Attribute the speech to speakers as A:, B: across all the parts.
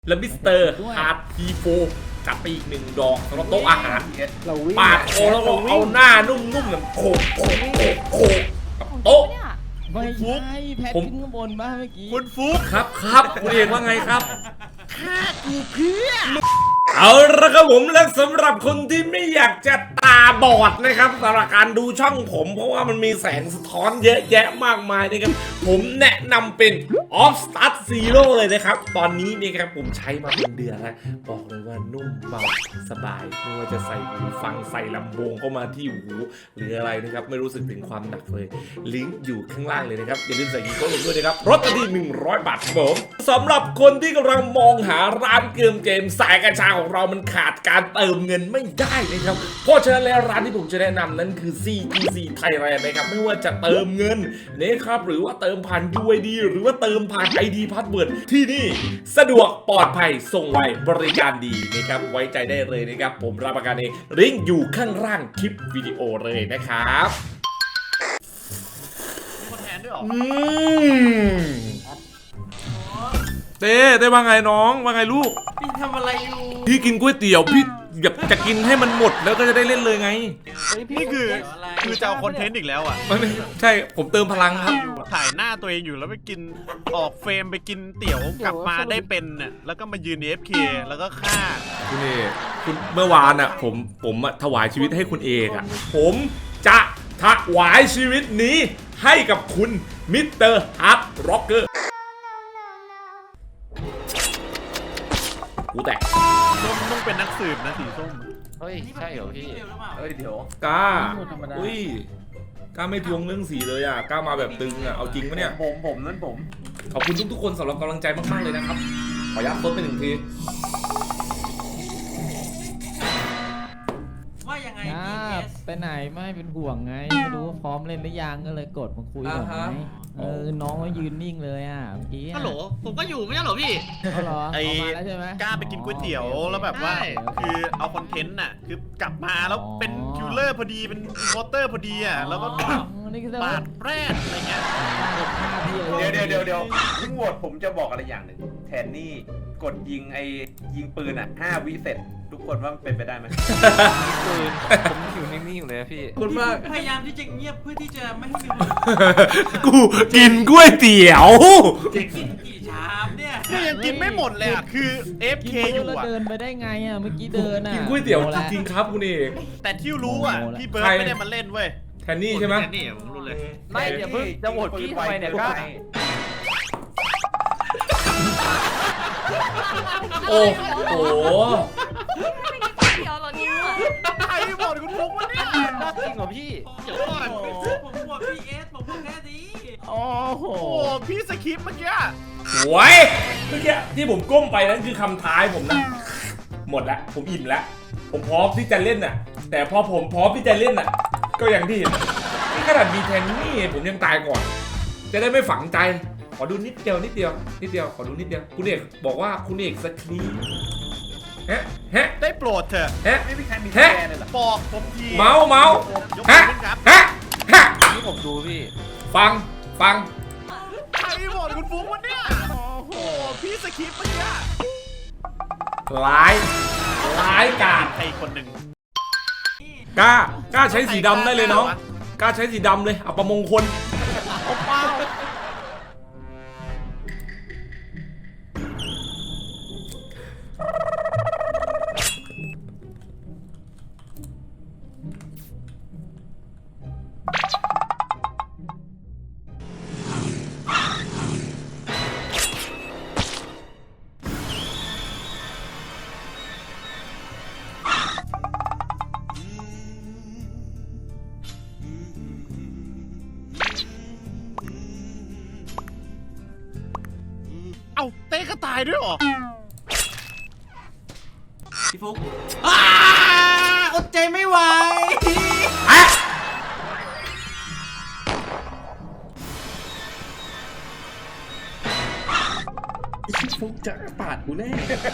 A: แล้วมิสเตอร์ฮาร์ดทีโฟจัดไปอีก1 ดอกสำหรับโต๊ะอาหารปาดคอแล้วก็เอาหน้านุ่มๆแบบโขกกับโต๊ะ
B: ไม่ใช่แพทขึ้นข้างบนบ้างเมื่อกี้
C: คุณฟุก
A: ครับคุณเอกว่าไงครับ
C: ฆ่ากูเพื่อ
A: เอาละครับผมและสำหรับคนที่ไม่อยากจะตาบอดนะครับสำหรับการดูช่องผมเพราะว่ามันมีแสงสะท้อนเยอะแยะมากมายนะครับผมแนะนำเป็น Off Start Zero เลยนะครับตอนนี้นี่ครับผมใช้มาเป็นเดือนแล้วบอกเลยว่านุ่มเบาสบายไม่ว่าจะใส่หูฟังใส่ลำโพงเข้ามาที่หูหรืออะไรนะครับไม่รู้สึกถึงความหนักเลยลิงก์อยู่ข้างล่างเลยนะครับอย่าลืมใส่กีโก้ลงด้วยนะครับลดทันที100 บาทครับผมสำหรับคนที่กำลังมองหาร้านเกมสายกัญชาของเรามันขาดการเติมเงินไม่ได้นะครับเพราะฉะนั้นแล้วร้านที่ผมจะแนะนำนั้นคือ CGC Thailand นะครับไม่ว่าจะเติมเงินนะครับหรือว่าเติมผ่าน UID หรือว่าเติมผ่าน ID Password ที่นี่สะดวกปลอดภัยส่งไวบริการดีนะครับไว้ใจได้เลยนะครับผมรับประกันเองลิงก์อยู่ข้างล่างคลิปวิดีโอเลยนะครับ
C: คนแทนด้วยหรอ
A: เต้ว่าไงน้องว่าไงลูก
C: พี่ทำอะไรอยู่
A: พี่กินก๋วยเตี๋ยวพี่อยากจะกินให้มันหมดแล้วก็จะได้เล่นเลยไง
C: นี่คือจะเอาคอนเทนต์อีกแล้วอ่ะ
A: ไม่ใช่ผมเติมพลังครับ
C: ถ่ายหน้าตัวเองอยู่แล้วไปกินออกเฟรมไปกินเตี๋ยวกลับมาได้เป็นน่ะแล้วก็มายืน AFK แล้วก็ฆ่า
A: คุณเอกคุณเมื่อวานอ่ะผมถวายชีวิตให้คุณเอกอ่ะผมจะถวายชีวิตนี้ให้กับคุณมิสเตอร์ฮาร์ดร็อกเกอร์กูแตก
C: ส้มต้องเป็นนักสืบนะสีส้ม
D: เฮ้ยใช่เหรอพี่เฮ้ยเดี๋ยว
A: ก้าอุ้ยก้าไม่ทวงเรื่องสีเลยอ่ะก้ามาแบบตึงอ่ะเอาจริงปะเนี่ย
D: ผมนั่นผม
A: ขอบคุณทุกคนสำหรับกำลังใจมากๆเลยนะครับขอยัดซดไป1 ที
B: ว่ายังไงไปไหนไม่เป็นห่วงไงไม่รู้พร้อมเล่นหรือยังก็เลยกดมาคุยก่อนไงน้องก็ยืนนิ่งเลยอ่ะเมื่อกี้
C: ฮัลโหลผมก็อยู่ไม่ใช่เหรอพี่
B: ไอ้แล้วใช่ไหม
C: กล้าไปกินก๋วยเตี๋ยวแล้วแบบว่าคือเอาคอนเทนต์น่ะคือกลับมาแล้วเป็นคิลเลอร์พอดีเป็นวอเตอร์พอดีอ่ะแล้วก็ปาดแปรดอะไรเงี้ย
D: เดี๋ยวทั้งหมดผมจะบอกอะไรอย่างหนึ่งแทนนี่กดยิงปืนอ่ะ5 วิเสร็จทุกคนว่ามันเป็นไปได้ไหม
E: ปืนผมอยู่นิ่งๆอยู่เลยพี่
A: คุณมาก
C: พยายามที่จะเงียบเพื่อที่จะไม่ให้มี
A: กูกินก๋วยเตี๋ยว
C: กินกี่ชามเนี่ยยังกินไม่หมดเลยอ่ะคือ FK อยู่อ่ะ
B: เดินไปได้ไงอ่ะเมื่อกี้เดินอ่ะ
A: กินก๋วยเตี๋ยวจริงๆครับคุณเอก
C: แต่ที่รู้อ่ะพี่เบิร์ดไม่ได้มาเล่นเว้ย
A: แทนนี่ใช่ไหม
C: แทนนี่ผมรู้เลย
E: ไม่เดี๋ยวเพิ่งจะโหวตพี่ทำไมเนี่ยก็
A: โอ้โห
F: เดี๋ยวเหรอเนี่ย
C: ใครบอกคุณฟุกวะเนี่ย
E: น่าจริงเหรอพี่
C: เดี๋ยวก่อนผมบอกพี่เอสผมบอกแค่นี้
B: โอ้โห
C: พี่สคริปต์เมื่อกี้
A: โว้ยเมื่อกี้ที่ผมก้มไปนั่นคือคำท้ายผมนะหมดแล้วผมอิ่มแล้วผมพร้อมที่จะเล่นน่ะแต่พอผมพร้อมที่จะเล่นน่ะก็อย่างที่เห็นนี่ขนาดมีแทนนี่ผมยังตายก่อนจะได้ไม่ฝังใจขอดูนิดเดียวขอดูนิดเดียวคุณเอกบอกว่าคุณเอกสคริปต์ฮะ
C: ได้โปรดเถอะ
D: ไม่มีใครมีแทนเลยหรอ
C: บอกผมที
A: เมาฮะ
E: นี่ผมดูพี่
A: ฟัง
C: ใครบอกคุณฟุกวะเนี่ยโอ้โหพี่สคริปต์เมื่อกี้
A: ร้ายกาจ
C: ใครคนหนึ่ง
A: กล้าใช้สีดำได้เลยน้องกล้าใช้สีดำเลยอัปมงคล
C: เต้ก็ตายด้วยหรอพี่ฟุกอดใจไม่ไหว
D: พี่ฟุกจะปาดกูแน่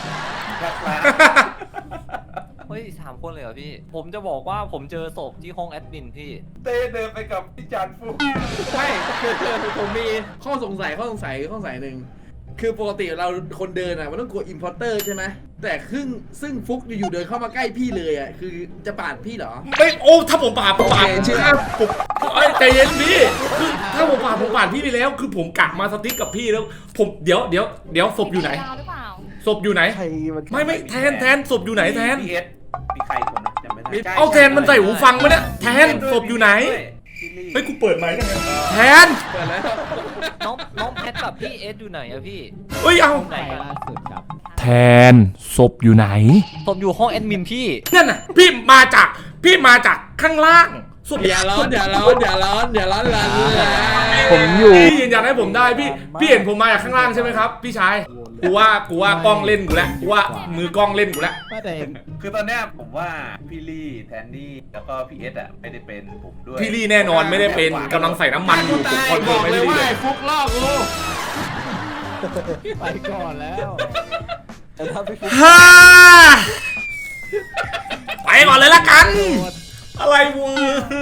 E: เฮ้ย3 คนเลยเหรอพี่ผมจะบอกว่าผมเจอศพที่ห้องแอดมินพี่
D: เต้เดินไปกับพี่จันฟุก
B: ใช่คือผมมีข้อสงสัยหนึ่ง
F: คือปกติเราคนเดินอ่ะมันต้องกลัวอิมพอร์เตอร์ใช่ไหมแต่ซึ่งฟุกอยู่ๆเดินเข้ามาใกล้พี่เลยอ่ะคือจะปาดพี่เหรอ
A: ไม่โอ้ถ้าผมปาดผม
F: เชื่อ
A: ผมเอ้ยใจเย็นพี่คือถ้าผมปาดพี่ไปแล้ว คือผมกะมาสติ๊กกับพี่แล้ว ผมเดี๋ยวศพอยู่ไหน
G: ดาวหรือเปล่า
A: ศพอยู่ไหน ไม่แทนศพอยู่ไหนแทน
D: พีเอสมีใครคนนะจำไม่ได้
A: เอาแทนมันใส่หูฟังมาเนี่ยแทนศพอยู่ไหนเฮ้ยกูเปิดไมค์ได้ไงแทน
F: เปิดแล้ว
E: น้องแพทกับพี่เอสอยู่ไหนอะพี่
A: เฮ้ยเอา
B: ใครล่าสุดครับ
A: แทนศพอยู่ไหน
E: ผมอยู่ห้องแอดมินพี่
A: นั่นน่ะพี่มาจากข้างล่างศพ
F: อย่าร้อนละ
A: ผมอยู่พี่ยืนยันให้ผมได้พี่เห็นผมมาจากข้างล่างใช่ไหมครับพี่ชายกูว่ากล้องเล่นกูแล้วกูว่ามือกล้องเล่นกูแล้ว
B: ไม่แต่
D: คือตอนเนี้ยผมว่าพี่ลี่แทนนี่แล้วก็พี่เอสอะไม่ได้เป็นผมด้วย
A: พี่ลี่แน่นอนไม่ได้เป็นกำลังใส่น้ำมันอยู่ผมคอนเฟิ
F: บ
A: ร์
F: อ
A: ม
F: ก
A: ไม่
F: เล
A: ได้
F: ย
A: ดี
F: ว่า
A: เลย
F: ฟุกลอกกู
B: ไปก่อนแล้ว
A: ฮ่าไปก่อนเลยละกัน อะไรวะ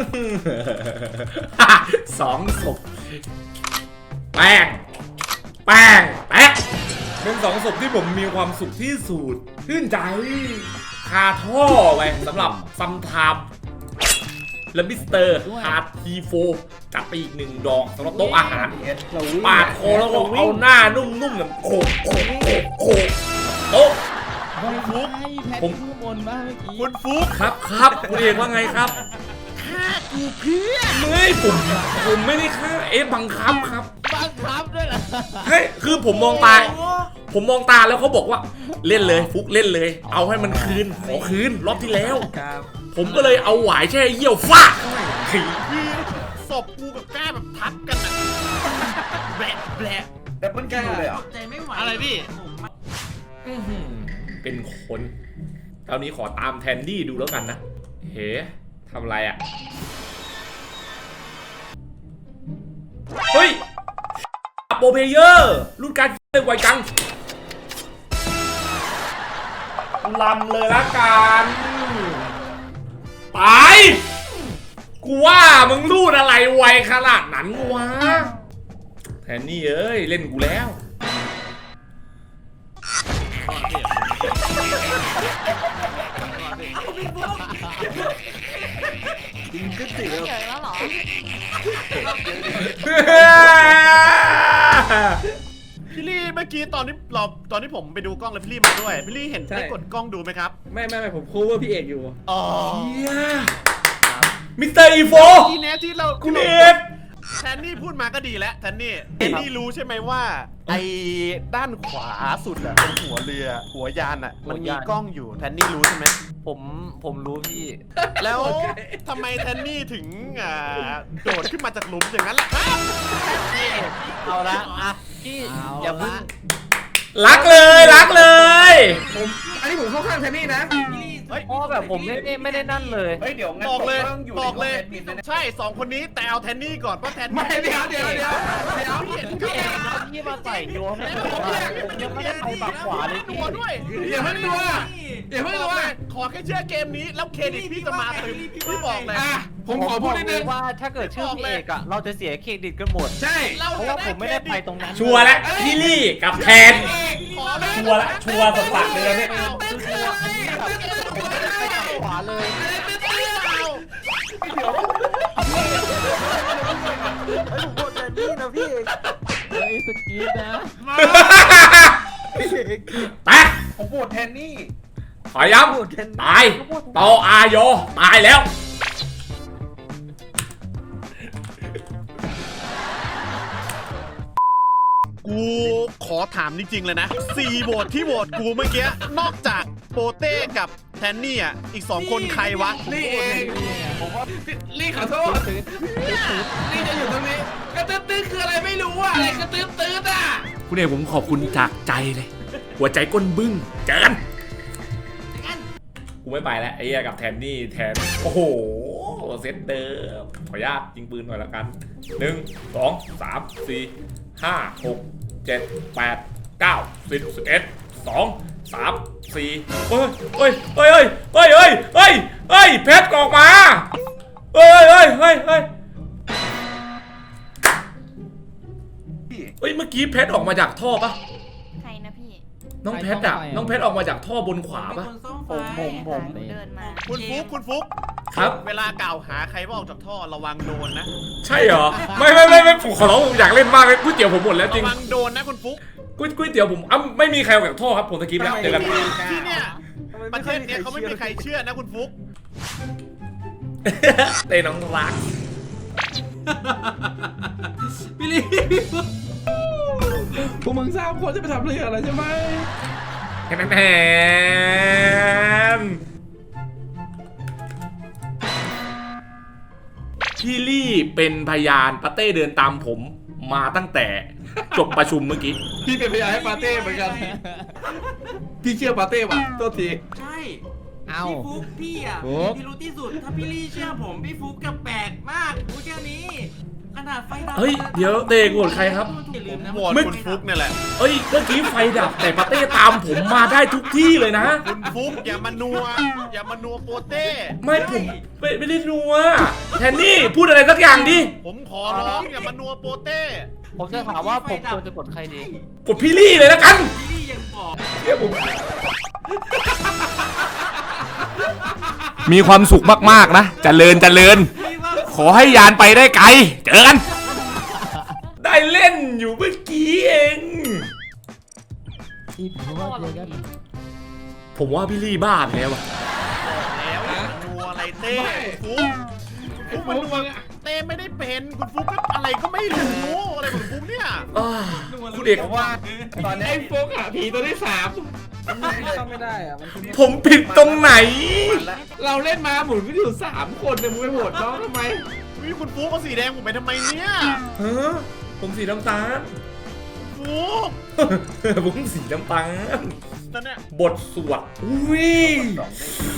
A: สองศพแป้งแป๊ะเป็นสองศพที่ผมมีความสุขที่สุดชื่นใจคาท่อไปสำหรับซัมทามและมิสเตอร์ฮาร์ดทีโฟจัดไปอีก1 ดอกสำหรับโต๊ะอาหาร
D: พี่เอส
A: ปาดคอแล้วก็เอาหน้านุ่มๆเนี่ยโขกโต๊ะ
B: ฟุกผมข้างบนมาเมื่อกี้
C: คุณฟุก
A: ครับคุณเอกว่าไงครับฆ่ากูเพื่อไม่ผมไม่ได้ฆ่าบังคับครับ
B: บังคับด้วยเหรอ
A: เฮ้ยคือผมมองตาแล้วเขาบอกว่าเล่นเลยฟุกเล่นเลย เอาให้มันคืนขอคืนรอบที่แล้ว ผมก็เลยเอาหวายแช่เยี่ยวฟาดเข้าไปขี่
C: คือศพกูกับก้าแบบทับกันอะแบะ
D: แต่เพิ่งคิวเลยเหรอ
C: อะไรพี่
A: อื้อหือเป็นคนคราวนี้ขอตามแทนดี้ดูแล้วกันนะเฮ้ทำอะไรอ่ะเฮ้ยโปรเพเยอร์รุ่นการเลยไวจังลำเลยละกันไปกูว่ามึงรูดอะไรไวขนาดนั้นวะแทนนี่เอ้ยเล่นกูแล้ว
G: เฉยแล้วเหรอ
C: พี่ลี่เมื่อกี้ตอนที่ผมไปดูกล้องแล้วพี่ลี่มาด้วย พี่ลี่เห็นได้กดกล้องดูไหมครับ
F: ไม่ผมคูเวอร์พี่เอกอยู่
C: อ๋อ
A: มิสเตอร์อีโฟ
C: ทีนี้ที่เรา
A: คุณเอก
C: แทนนี่พูดมาก็ดีแล้วแทนนี่รู้ใช่ไหมว่า ไอ้ด้านขวาสุดอะเป็นหัวเรือหัวยานอะมันมีกล้องอยู่แทนนี่รู้ใช่ไหม
E: ผมรู้พี่
C: แล้วทำไมแทนนี่ถึงโดดขึ้นมาจากหลุมอย่างนั้นล่ะครับ
E: เอาละอ่ะพี่อย่าเพิ่ง
A: รักเลย
F: อันนี้ผมเข้าข้างแทนนี่นะ
C: เฮ้ย
E: เพราะแบบผมไม่ได้นั่นเลย
D: เฮ้ยเดี๋ยวงั้น
C: บอกเลย
D: ผมต้องอยู่
C: บอกเลย
D: ในห้องแอดมินนะเนี่ย
C: ใช่2 คนนี้แต่เอาแทนนี่ก่อนเพราะแทนนี่
F: ไม่เดี๋ยว
E: พี่เอกพี่มาใส่โยนให้ผมว่ายังไม่ได้ไปบักขวาเลยพี่
C: ตัวด้วย
F: อย่าเพิ่งดูอ่ะอย่าเพิ่งดูอ่ะ
C: ขอแค่เชื่อเกมนี้แล้วเครดิตพี่จะมาตึมพี่บอกเลย
F: อ่ะผมขอพูดนิดนึง
E: ว่าถ้าเกิดชื่อพี่เอกอะเราจะเสียเครดิตกันหมด
F: ใช่
E: เพราะว่าผมไม่ได้ไปตรงนั้น
A: ชัวร์แล้วพี่ลี่กับแทน
C: ขอเลย
A: ชัวร์ละชัวร์สัสๆเลยเนี่ย
E: อันนี้แบบผมไม่ได้ไปบักขวาเลย
B: เฮ้ยสกีดนะ
A: ไป
D: ผมโหวตแทนนี่
A: ขอย้ำตายต่ออายอตายแล้ว
C: กูขอถามจริงๆเลยนะ4โหวตที่โหวตกูเมื่อกี้นอกจากโปเต้กับแทนนี่อ่ะอีก2 คนใครวะ
F: ลี่เองผมว่าลี่ขอโทษลี่จะอยู่ตรงนี้กระตื้อคืออะไรไม่รู้อ่ะอะไรกระตื้ออ่ะ
A: คุณเอกผมขอบคุณจากใจเลย หัวใจก้นบึ้งเจอกันกูไม่ไปแล้วไอ้เหี้ยกับแทนนี่แทนโอ้โหเซตเดิมขออนุญาตยิงปืนหน่อยละกัน1 2 3 4 5 6 7 8 9 10 11 2 3 4เฮ้ยเพชรออกมาเฮ้ยเมื่อกี้เพชรออกมาจากท่อปะน้องเพชรอะน้องเพชรออกมาจากท่อบนขวาปะ
E: ผม
G: เดินมา
C: คุณฟุก
A: ครับ
C: เวลากล่าวหาใครว่าออกจากท่อระวังโดนนะ
A: ใช่เหรอไม่ผมขอร้องผมอยากเล่นมากเลยก๋วยเตี๋ยวผมหมดแล้วจริ
C: ระ
A: ง
C: วังโดนนะคุณฟุก
A: ก๋วยเตี๋ยวผมไม่มีใครออกจากท่อครับผมสกิปแล้วเจอกัน
C: ที่เนี่ยประเทศเนี้ยเขาไม่มีใครเชื่อนะคุณฟุก
A: เต้น้องรัก
F: พี่ลีพวกมึงสามคนจะไปทำเรื่องอะไรใช่ไหม
A: แทนพี่ลี่เป็นพยานปาเต้เดินตามผมมาตั้งแต่จบประชุมเมื่อกี้
F: พี่เป็นพยานให้ปาเต้เหมือนกัน พี่เชื่อปาเต้ป่ะโทษที
H: ใช่
B: เอา
H: พี่ฟุกพี่อ่ะ
B: ฟุก
H: พี่รู้ที่สุด ถ้าพี่ลี่เชื่อผมพี่ฟุกกับแปลกมากรู้แค่นี้ ขนาดไฟดับ
A: เฮ้ยเดี๋ยวเต้โหวตใครครับ
H: อย่าลืมนะ
C: โหวตคุณฟุกเนี่ยแหละ
A: เอ้ยเมื่อกี้ไฟดับแต่ปาเต้ตามผมมาได้ทุกที่เลยนะ
C: คุณฟุกอย่ามานัวโปเต้
A: ไม่ผมไม่ได้นัวแทนนี่พูดอะไรสักอย่างดิ
C: ผมขอร้องอย่ามานัวโปเต้
E: ผมจะถามว่าผมควรจะกดใครดี
A: กดพี่ลี่เลยแล้วกัน
H: พี่ลี่ยังบอก
A: เชื่อผมมีความสุขมากๆนะเจริญ
H: พี่ว่า
A: ขอให้ยานไปได้ไกลเจอกัน ได้เล่นอยู่เมื่อกี้เอง
B: อีผมว่าเจอกัน
A: ผมว่าพี่ลี่บ้าไปแล้วอะ
C: แล้วอย่ามานัวอะไรเต้คุณฟุกมันนัวเต้ไม่ได้เป็นคุณฟุกก็อะไรก็ไม่รู้อะไรของคุณฟุกเนี่ย
A: อ้าคุณเอก
D: เพราะว่าตอนนี้
F: ไอ้โฟกหาผีตัวที่สาม
E: ไม่ได้อะมัน
A: ผมผิดตรงไหน
F: เราเล่นมาหมุนก็อยู่3 คนเนี่ยมึงไปโหวตน้องทำไม
C: วิคุณฟุกเอาสีแดงผมไปทำไมเนี่ย
A: ฮะผมสีน้ำตาล
C: ฟุก
A: ผมสีน้ำตาล
C: นั่นเนี่ย
A: บทสวดอุ้ย
D: สองได้